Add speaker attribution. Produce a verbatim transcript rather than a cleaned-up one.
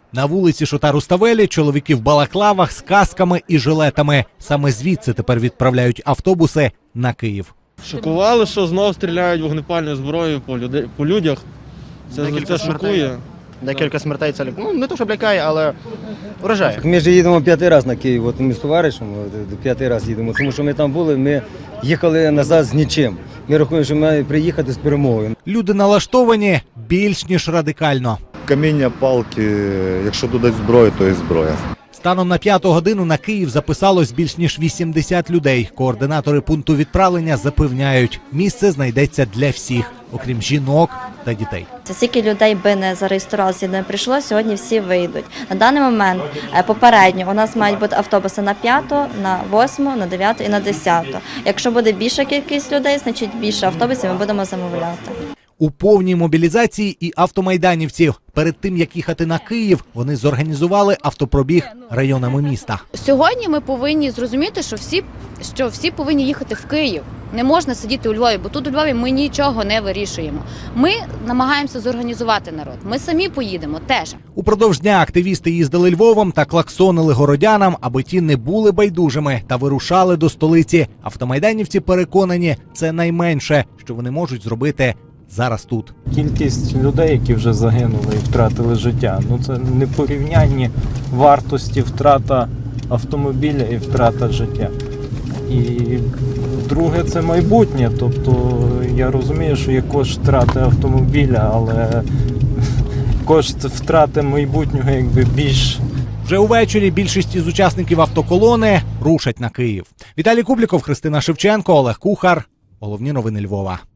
Speaker 1: На вулиці Шота-Руставелі чоловіки в балаклавах з касками і жилетами. Саме звідси тепер відправляють автобуси на Київ.
Speaker 2: Шокували, що знов стріляють вогнепальною зброєю по, люди... по людях. Це, це шокує.
Speaker 3: Декілька смертей це ну, не то, що лякає, але вражає.
Speaker 4: Ми ж їдемо п'ятий раз на Київ, от ми з товаришем п'ятий раз їдемо, тому що ми там були, ми їхали назад з нічим. Ми рахуємо, що ми маємо приїхати з перемогою.
Speaker 1: Люди налаштовані більш ніж радикально.
Speaker 5: Каміння, палки, якщо додають зброю, то і зброя.
Speaker 1: Станом на п'яту годину на Київ записалось більш ніж вісімдесят людей. Координатори пункту відправлення запевняють, місце знайдеться для всіх, окрім жінок та дітей.
Speaker 6: Скільки людей би не зареєструвалося і не прийшло, сьогодні всі вийдуть. На даний момент попередньо у нас мають бути автобуси на п'яту, на восьму, на дев'яту і на десяту. Якщо буде більша кількість людей, значить більше автобусів ми будемо замовляти.
Speaker 1: У повній мобілізації і автомайданівців. Перед тим, як їхати на Київ, вони зорганізували автопробіг районами міста.
Speaker 7: Сьогодні ми повинні зрозуміти, що всі, що всі повинні їхати в Київ. Не можна сидіти у Львові, бо тут у Львові ми нічого не вирішуємо. Ми намагаємося зорганізувати народ. Ми самі поїдемо теж.
Speaker 1: Упродовж дня активісти їздили Львовом та клаксонили городянам, аби ті не були байдужими та вирушали до столиці. Автомайданівці переконані, це найменше, що вони можуть зробити зараз тут.
Speaker 8: Кількість людей, які вже загинули і втратили життя, ну це не порівнянні вартості втрата автомобіля і втрата життя. І друге, це майбутнє, тобто я розумію, що є кошт втрати автомобіля, але кошт втрати майбутнього якби більш.
Speaker 1: Вже увечері більшість із учасників автоколони рушать на Київ. Віталій Кубліков, Христина Шевченко, Олег Кухар. Головні новини Львова.